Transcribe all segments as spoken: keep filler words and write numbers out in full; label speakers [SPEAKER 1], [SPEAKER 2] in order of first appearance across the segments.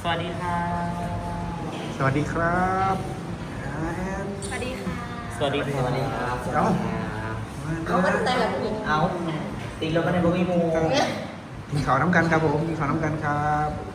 [SPEAKER 1] วัสดีครับ
[SPEAKER 2] สวัสดีครับ
[SPEAKER 3] สวัสดีค่ะ
[SPEAKER 1] สวัสดีครับ
[SPEAKER 4] สวัสดีครับ
[SPEAKER 2] เอ้า
[SPEAKER 3] เขาก็ตั้งใจแบบนี้
[SPEAKER 4] เอาตีรถมาในบุ้มีมู
[SPEAKER 2] มีข่าวน้ำกันครับผมมีข่าวน้ำกันครับ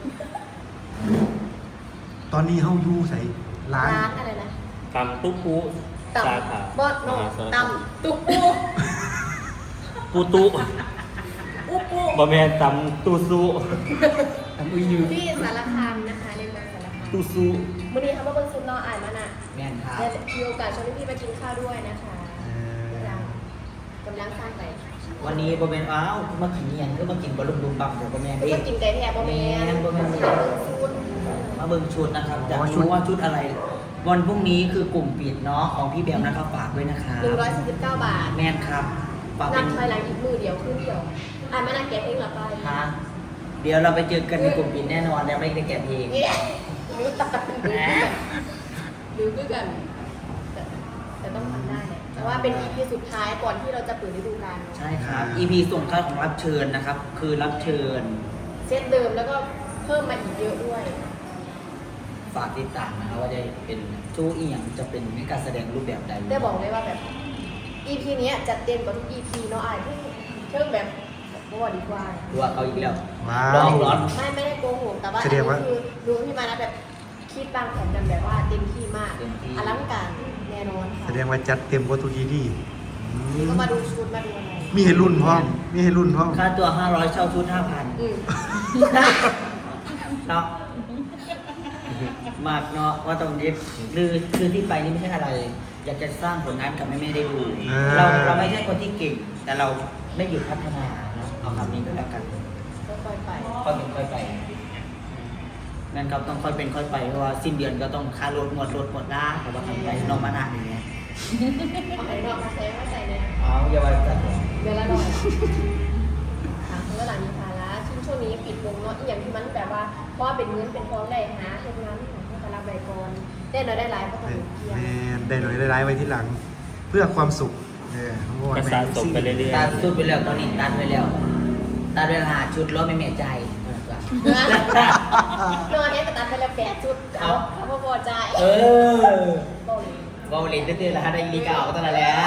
[SPEAKER 2] ตอนนี้เฮาอยู่ใส่ร้าน
[SPEAKER 3] ร้านอะไรนะ
[SPEAKER 1] ตำตุ๊กปู
[SPEAKER 3] ต
[SPEAKER 1] สาขา
[SPEAKER 3] ำบอสโน
[SPEAKER 1] มหาสาร
[SPEAKER 3] ต
[SPEAKER 1] คาม
[SPEAKER 3] ำตุ๊กปู
[SPEAKER 1] ปูตุ
[SPEAKER 3] อุปู
[SPEAKER 1] บะแมนตำตูซู
[SPEAKER 2] ทำอุ้ยยืม
[SPEAKER 3] ที่สารคามนะคะในเมืองสารคาม
[SPEAKER 1] ตูซู
[SPEAKER 3] วันนี้เขามาเบิ่งซุปนออ่านมาน่ะ
[SPEAKER 4] แม่นครับ
[SPEAKER 3] และมีโอกาสชวนพี่ๆมากินข้าวด้วยนะคะกำลังกำลังสร้างไป
[SPEAKER 4] วันนี้บอแมนอ้าวมากินเนียนก็มากินบอลลูนบุมบัมเดี๋ยวบอแมน
[SPEAKER 3] คือ
[SPEAKER 4] ดิ
[SPEAKER 3] ว่ากินไก่แทบบะเมน
[SPEAKER 4] แม่นบ่แม่น
[SPEAKER 3] มาเบิ่งซุป
[SPEAKER 4] มาเบิ่งชุดนะครับจะรู้ว่าชุดอะไร วันพรุ่งนี้คือกลุ่มปิดเนาะของพี่แบมนะครับฝากด้วยนะครับ
[SPEAKER 3] หนึ่งร้อยสี่สิบเก้าบาท
[SPEAKER 4] แม่นครับฝาก
[SPEAKER 3] นั
[SPEAKER 4] เป็
[SPEAKER 3] บ
[SPEAKER 4] น
[SPEAKER 3] ถอยหลังอีกมือเดียวครึ่งเดียวอ่านมาน่ะแกะเองเหรอไป
[SPEAKER 4] ฮะเดี๋ยวเราไปเจอกันในกลุ่มปิดแน่นอนแล้วไม่ได้แกะเอง
[SPEAKER 3] เนี่ยดูตาดูด้วยกันแต่แต่ต้องทำได้แหละแต่ว่าเป็น อี พี สุดท้ายก่อนที่เราจะเปิดฤดูกาลเนอะ
[SPEAKER 4] ใช่ครับ อี พี ส่งท้ายของรับเชิญนะครับ คือรับเชิญ
[SPEAKER 3] เซตเดิมแล้วก็เพิ่มมาอีกเยอะด้วย
[SPEAKER 4] ฝากติดตามนะครับว่าจะเป็นชู้อีหยังจะเป็นการแสดงรูปแบบใด
[SPEAKER 3] ได้บอกเลยว่าแบบ อี พี เนี้ยจัดเต็มกว่าทุก อี พี เนาะอ่านที่เพิ่มแบบว่าดีกว่า
[SPEAKER 4] ดูว่าเขาอีกแล้ว
[SPEAKER 2] ว้า
[SPEAKER 4] ร้อ
[SPEAKER 2] ว
[SPEAKER 4] งร้อน
[SPEAKER 3] ไม่ไม่ได้โกหกแต่ว่าอั
[SPEAKER 2] แส
[SPEAKER 3] น
[SPEAKER 2] ด
[SPEAKER 3] นี้
[SPEAKER 2] งว่า
[SPEAKER 3] คือดูที่มานะแบบคิดบางแผนกันแบบว่าเต็มที่มาก
[SPEAKER 4] เต็มที่
[SPEAKER 3] อลังการแน่นอนค่ะ
[SPEAKER 2] แสดงว่าจัดเต็มกว่าทุกทีดีอื
[SPEAKER 3] นี่
[SPEAKER 2] ม
[SPEAKER 3] ก็มาดูชุดมาดูอะไร
[SPEAKER 2] มีให้รุ่นพร้อมมีให้รุ่นพร้อม
[SPEAKER 4] ค่าตัว ห้าร้อย เช่าชุด ห้าพัน
[SPEAKER 3] อืม
[SPEAKER 4] เนาะมากเนาะว่าตรงนี้คือคือที่ไปนี่ไม่ใช่อะไร อยากจะสร้างผลงานกับแม่ๆได้ดู เราเราไม่ใช่คนที่เก่ง แต่เราไม่หยุดพัฒนาเนาะเอาคำนี้ก็แล้วกัน
[SPEAKER 3] ก็ค่อยไป
[SPEAKER 4] ค่อยเป็นค่อยไปงั้นครับต้องค่อยเป็นค่อยไปเพราะว่าสิ้นเดือนก็ต้องค่ารถหมดรถหมดนะเพราะว่าทำไปนอกมานาอย่างเงี้ย
[SPEAKER 3] เอาไหนนอกมาใช้ไม่ใส่เนี่ย
[SPEAKER 4] เอาอย่าไปจัด
[SPEAKER 3] เดือนละหน่อยถามเมื่อหลังมีภาระช่วงช่วงนี้ปิดวงเนาะอีกอย่างที่มันแบบว่าเพราะว่าเป็นเงินเป็นทองได้หาเฮ็ดงานของผู้รับใบกรได้น้อยได้หลายก็ต้องเพียง
[SPEAKER 2] แม่ได้หน่อยได้ร้ายไว้ที่หลัง เพื่อความสุขเออทั้งหมด
[SPEAKER 1] กระสะสมไปเรื่อย
[SPEAKER 4] ตัดชุดไปแล้วตอนนี้ตัดไปแล้วตัดไปหาชุดแล้วไม่เมียใจ
[SPEAKER 3] นอนเนี้ยก็ตัดไปแล้วแปดจุดเอาเขาพอใจ
[SPEAKER 4] เออ
[SPEAKER 3] โอ้ย
[SPEAKER 4] บอลเลนตื้อๆแล้วได้ยีเก่าตั้งแต่แล้ว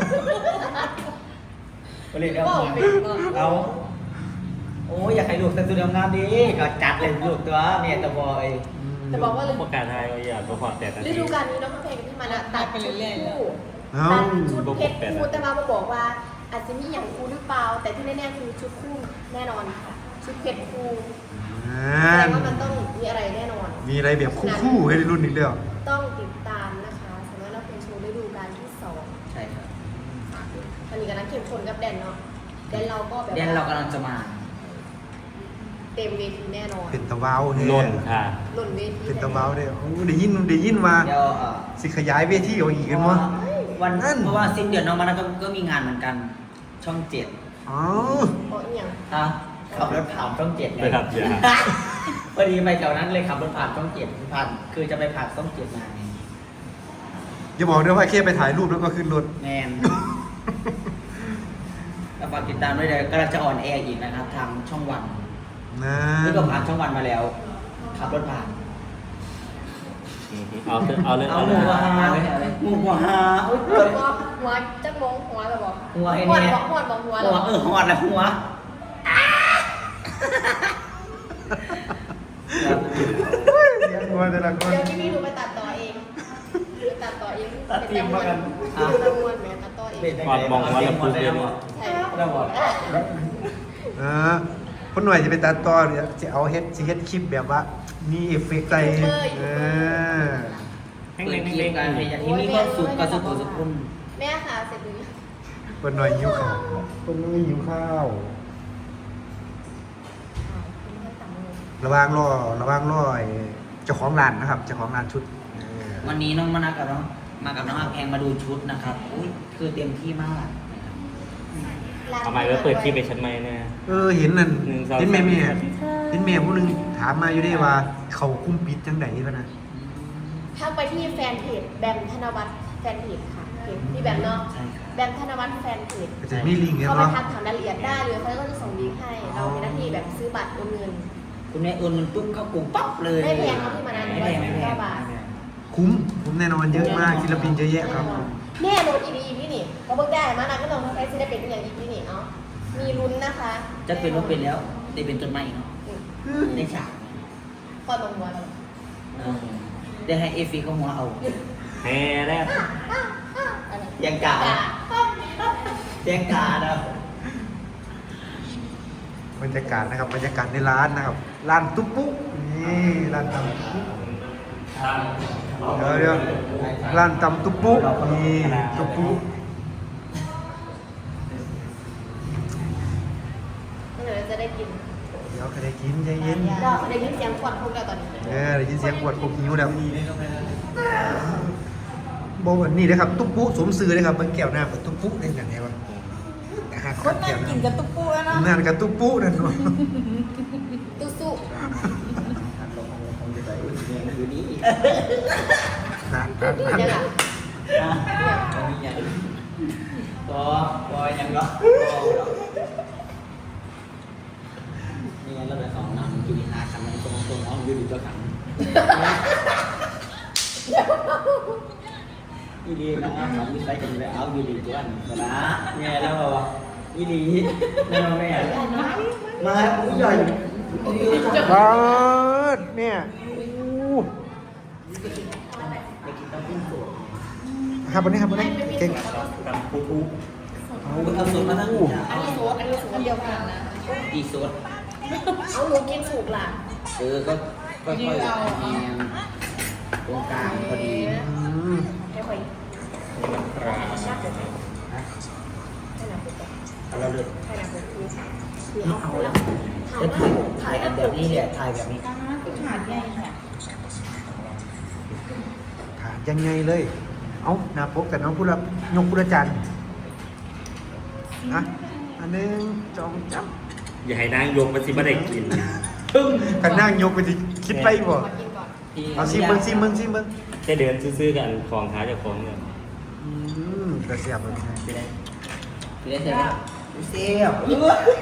[SPEAKER 4] บอลเลนเอาเอาโอ้ยอยากให้ลูกแต่งตัวงามดีก็จัดเลยลูกตัวเนี่ยตะบอย
[SPEAKER 3] แต่บอกว่า
[SPEAKER 1] ๆประกาศไทยว่าอย่าประกอบแต่กัน
[SPEAKER 3] ฤดูกาลนี้น้องข้าวเพลงที่มันอะตัดชุดคู่
[SPEAKER 2] เอ้า
[SPEAKER 3] ตัดชุดเพชรคู่แต่มาบอกว่าอาจจะมีอย่างคู่หรือเปล่า แต่ที่แน่ๆคือชุดคู่แน่นอนค่ะชุดเพชรคู่
[SPEAKER 2] อ่า
[SPEAKER 3] แสดงว่ามันต้องมีอะไรแน่นอน
[SPEAKER 2] มีอะไรแบบคู่ๆให้รุ่นอีกแล้ว
[SPEAKER 3] ต้องติดตามนะคะสำหรับเราเป็นโชว์ฤดูกาลที่สอง
[SPEAKER 4] ใช่ครับ
[SPEAKER 3] ตอนนี้กำลังเข้มข้นกับแดนเนาะแดนเราก็แบบ
[SPEAKER 4] เดี๋ยวเรากำลังจะมา
[SPEAKER 3] เต็มเวทีแน่นอน
[SPEAKER 2] เป็นตะเว้าแฮะ
[SPEAKER 1] ล่นค่ะ
[SPEAKER 3] หล่นเวที
[SPEAKER 2] เป็นตะเว้าได้โอ้ได้ยินได้ยินว่า
[SPEAKER 4] เดี๋ยวเอ่อ
[SPEAKER 2] สิขยายเวทีเอาอีกกันวะ
[SPEAKER 4] วัน
[SPEAKER 2] นั่น
[SPEAKER 4] เพราะว่าสิ้นเดือนน้องมานะก็ก็มีงานเหมือนกัน ช่องเจ็ด
[SPEAKER 2] อ๋อ
[SPEAKER 3] เพราะอหย่าง
[SPEAKER 4] ฮะขับรถผ่านช่องเจ็ดเล
[SPEAKER 1] ไป
[SPEAKER 4] ย
[SPEAKER 1] ครับอย่า
[SPEAKER 4] พอดีไปแถวนั้นเลยขับรถผ่านช่องเจ็ดผ่านคือจะไปผ่านช่องเจ็ดมาไง
[SPEAKER 2] อย่าบอกด้วยว่าแค่ไปถ่ายรูปแล้วก็ขึ้นรถ
[SPEAKER 4] แมนก็ฝากติดตามด้วยเดี๋ยวกำลังจะออนแอร์อีกนะครับ ทางช่องวัน
[SPEAKER 2] นะ
[SPEAKER 4] นี่ก็ผ่านช่องวันมาแล้ว ขับรถผ่าน
[SPEAKER 1] เอาเถอะเอาเลย
[SPEAKER 4] เอา
[SPEAKER 1] เอา
[SPEAKER 4] ห
[SPEAKER 1] เล
[SPEAKER 4] มู
[SPEAKER 1] ย
[SPEAKER 4] กระหาเลยหมูกระหาโอ๊ย
[SPEAKER 3] หัวหัวจักมงหัวแบบบอก
[SPEAKER 4] หัวไอ้
[SPEAKER 3] หัว
[SPEAKER 4] เนี่ย
[SPEAKER 3] บอกหัวบอกหัว
[SPEAKER 4] หั
[SPEAKER 3] แล้ว
[SPEAKER 4] วเออหอดแล้วหัว
[SPEAKER 2] กลัวแต่ละคน
[SPEAKER 3] เดี๋ยวที่นี่หนูไปตัดต่อเองไปตัดต่อเอง
[SPEAKER 4] ตัดทีมมากัน
[SPEAKER 3] ตัดตะมวนแหมตัดต่อเอง
[SPEAKER 4] ก่อนมองว่าเราพูดเรื่อง
[SPEAKER 3] ใช่
[SPEAKER 4] ได้หมด
[SPEAKER 2] เออคนหน่วยจะไปตัดต่อเนี่ยจะเอาเฮ็ดสิเฮ็ดคลิปแบบว่า มีเอฟเฟกต์ใส่เออ
[SPEAKER 1] แห้ง
[SPEAKER 4] เปิ
[SPEAKER 1] เล้
[SPEAKER 4] ด
[SPEAKER 1] ง
[SPEAKER 4] คลิ
[SPEAKER 1] เล้
[SPEAKER 4] ป
[SPEAKER 1] ง
[SPEAKER 4] การให้อย่างที่มีความสุขกับสุขสุขคุณ
[SPEAKER 3] แม่ค่ะเสร็จหรือยัง
[SPEAKER 2] คนหน่อยหิวข้าวคนหน่อยหิวข้าว
[SPEAKER 3] เป็นแค่สามโมง
[SPEAKER 2] ระหว่างรอระหว่างรอไอ้เจ้าของร้านนะครับเจ้าของร้านชุดเออ
[SPEAKER 4] วันนี้น้องมานากับน้องมากับน้องอาแพงมาดูชุดนะครับอุ้ยคือเต็มที่มากนะครับ
[SPEAKER 1] ทำไมว่าเปิดที่ไปชั้นไม่เนี่ย
[SPEAKER 2] เออเห็นนั่น
[SPEAKER 1] หนึ่งสอง
[SPEAKER 2] เห็นแม่แม่
[SPEAKER 1] สาม
[SPEAKER 2] เห็นแม่ผู้หนึงถามมาอยู่ได้ว่า เขาคุ้มปิดจังไดพะนะ
[SPEAKER 3] ทักไปที่แฟนเพจแบมธนวัฒน์แฟนเพจค่ะเพจพี่แบมเนาะ
[SPEAKER 4] ใช่ครับ
[SPEAKER 3] แบมธนวัฒน์แฟนเพจ
[SPEAKER 2] ก็จะมีลิงก์กัน
[SPEAKER 3] เข้าไป
[SPEAKER 2] เนาะ
[SPEAKER 3] ทักถามรายละเอียดได้เลยเขาก็จะส่งลิงก์ให้ เรามีหน้าที่แบบซื้อบัตรโอนเงิน
[SPEAKER 4] คุณแม่โอนเงินปุ๊บเข้ากลุ่มปั๊บเลย
[SPEAKER 3] ไม่แพงครับพี่มานาน
[SPEAKER 4] ไม่แพงไม่แพง
[SPEAKER 3] บาท
[SPEAKER 2] คุ้มคุ้มแน่นอนเยอะมากศิลปินเยอะแยะครับ
[SPEAKER 3] แน่นอนอีพีอีพีนี่เราเบิกได้มานะก็ลองใช้ศิลปินเป็นอย่างอีพีนี่เนาะมีลุ้นนะคะ
[SPEAKER 4] จะเป็นว่าเป็นแล้วได้เป็นต้นไม้เนาะได้ฉาก
[SPEAKER 3] คอยมองหัวเรา
[SPEAKER 4] เออได้ให้เอฟฟีเขาหัวเอา
[SPEAKER 1] แฮ่แรก
[SPEAKER 3] อะไร
[SPEAKER 4] ยังกะแจ้งกาเนาะ
[SPEAKER 2] บรรยากาศนะครับบรรยากาศในร้านนะครับร้านตุ๊กปุ๊นี่ร้านตำเดี๋ยวเดี๋ยวร้านตำตุ๊กปุ๊นี่ตุ๊กปุ๊
[SPEAKER 3] เดี๋ยวจะได้กิน
[SPEAKER 2] เดี๋ยวก็ได้กินใจเย็น
[SPEAKER 3] เราได้ยินเสียงควันพุ่งแล้วตอนนี้
[SPEAKER 2] เออได้ยินเสียงปวดปวดหิวแล้วบอกว่านี่นะครับตุ๊กปุ๊สมซื้อเลยครับมันแก้วหน้ากับตุ๊กปุ๊เล่นกันไงวะอาหาร
[SPEAKER 5] คนนั่งกินกับตุ๊กปูแล้วเนาะ
[SPEAKER 2] นั่นกับตุ๊กปุ๊นั่นเนาะ
[SPEAKER 3] ตู้สู้
[SPEAKER 4] คืนนี้
[SPEAKER 2] นั่นนั่นนั่น
[SPEAKER 3] เนี่ยค่ะ
[SPEAKER 4] มีอย่างก็ก็ยังก็นี่เราไปสองนำกินหาคำมันตรงตรงอ้อมยืดเจ้าขังอีดีนะขังยืดไปกันเลยเอายืดดีตัวนั้นนะเนี่ยแล้วบอกอีดีนั่นแม่มาอุ้ยใหญ่
[SPEAKER 2] เปิดเนี่ยอู้
[SPEAKER 4] ไปกินต้มปิ้งสด
[SPEAKER 2] ครับวันนี้ครับวันนี้เก่ง
[SPEAKER 1] กับปุ๊บปุ๊บ
[SPEAKER 4] เอาเอาสดมาทั้ง
[SPEAKER 3] อันนี้สูตรอันนี้สูตรอันเดียวกันนะ
[SPEAKER 4] กี่สด
[SPEAKER 3] เอาหนูกินสุกล่ะ
[SPEAKER 4] เออก็ค่อยๆแยงตรงกลางพอดี
[SPEAKER 2] อืม
[SPEAKER 3] ให้ค่อย
[SPEAKER 1] ครับ
[SPEAKER 3] ชาติจะใช้ให้หนักปุ๊บ
[SPEAKER 4] เอาเราเลย
[SPEAKER 3] ให้หนักปุ๊บคือคือ
[SPEAKER 4] เอา
[SPEAKER 3] เอา
[SPEAKER 4] เอา
[SPEAKER 3] แล้ว
[SPEAKER 4] แล้วถ่ายถ่ายกันแบบนี้เนี่ยถ่ายแบบนี้
[SPEAKER 5] ตาคือขาดใหญ่ค่ะ
[SPEAKER 2] ถามยังไงเลย เอาหน้าปกแต่น้องพูดละยกพุทธจันทร์นะอันหนึงจองจับ
[SPEAKER 1] อย่าให้นางยกมาสิบ่ได้กิน
[SPEAKER 2] กันนั่งยกไปดิคิดไปบ่
[SPEAKER 3] มากินก่อน
[SPEAKER 2] เอาซิเบิ้งซิเบิ้งซิเบิ้ง
[SPEAKER 1] แค่เดินซื้อๆกันของหาเจากของเนี่ย
[SPEAKER 2] อืมกระเสียบเลย
[SPEAKER 4] ไปได้ไปได้เสร็จแล้วเสียบ
[SPEAKER 3] เอา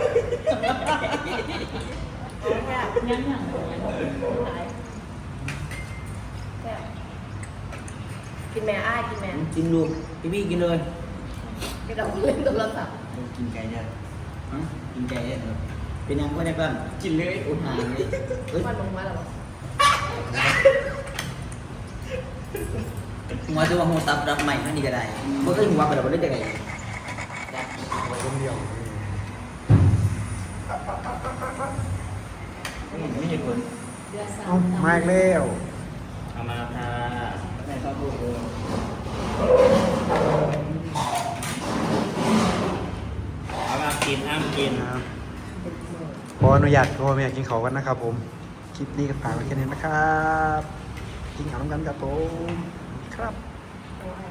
[SPEAKER 3] แค่
[SPEAKER 5] ยังอย่าง
[SPEAKER 3] หลายแค่กินแม่อ้ายกินแม่
[SPEAKER 4] กินลูกพี่พี่กินเลย
[SPEAKER 3] กินเราเล่นโทรศัพท์
[SPEAKER 4] กินไก่เนี่ยกินไก่เนี่ยเป็นยังไงบ้างกินเลยโอ้หายเลยเฮ้ย
[SPEAKER 3] ควันลงมาแล้วเหรอ
[SPEAKER 4] หัวจะว่าหัวตับรับใหม่ท่านี้ก็ได้เมื่อกี้หัวไปแล้วก็ได้ยังไง
[SPEAKER 2] คนเดียว
[SPEAKER 4] ไม่เห็นผล
[SPEAKER 2] เอามาอีกแล้ว
[SPEAKER 1] เอามาค่ะ
[SPEAKER 4] ไม่ชอบพูดเลย
[SPEAKER 1] เอามากินอ้ามกิน
[SPEAKER 2] ครับขออนุญาตพ่อแม่กินเขาวกันนะครับผม คลิปนี้ก็ฝากไว้แค่นี้นะครับ กินข้าวน้ำกันครับผม ครับ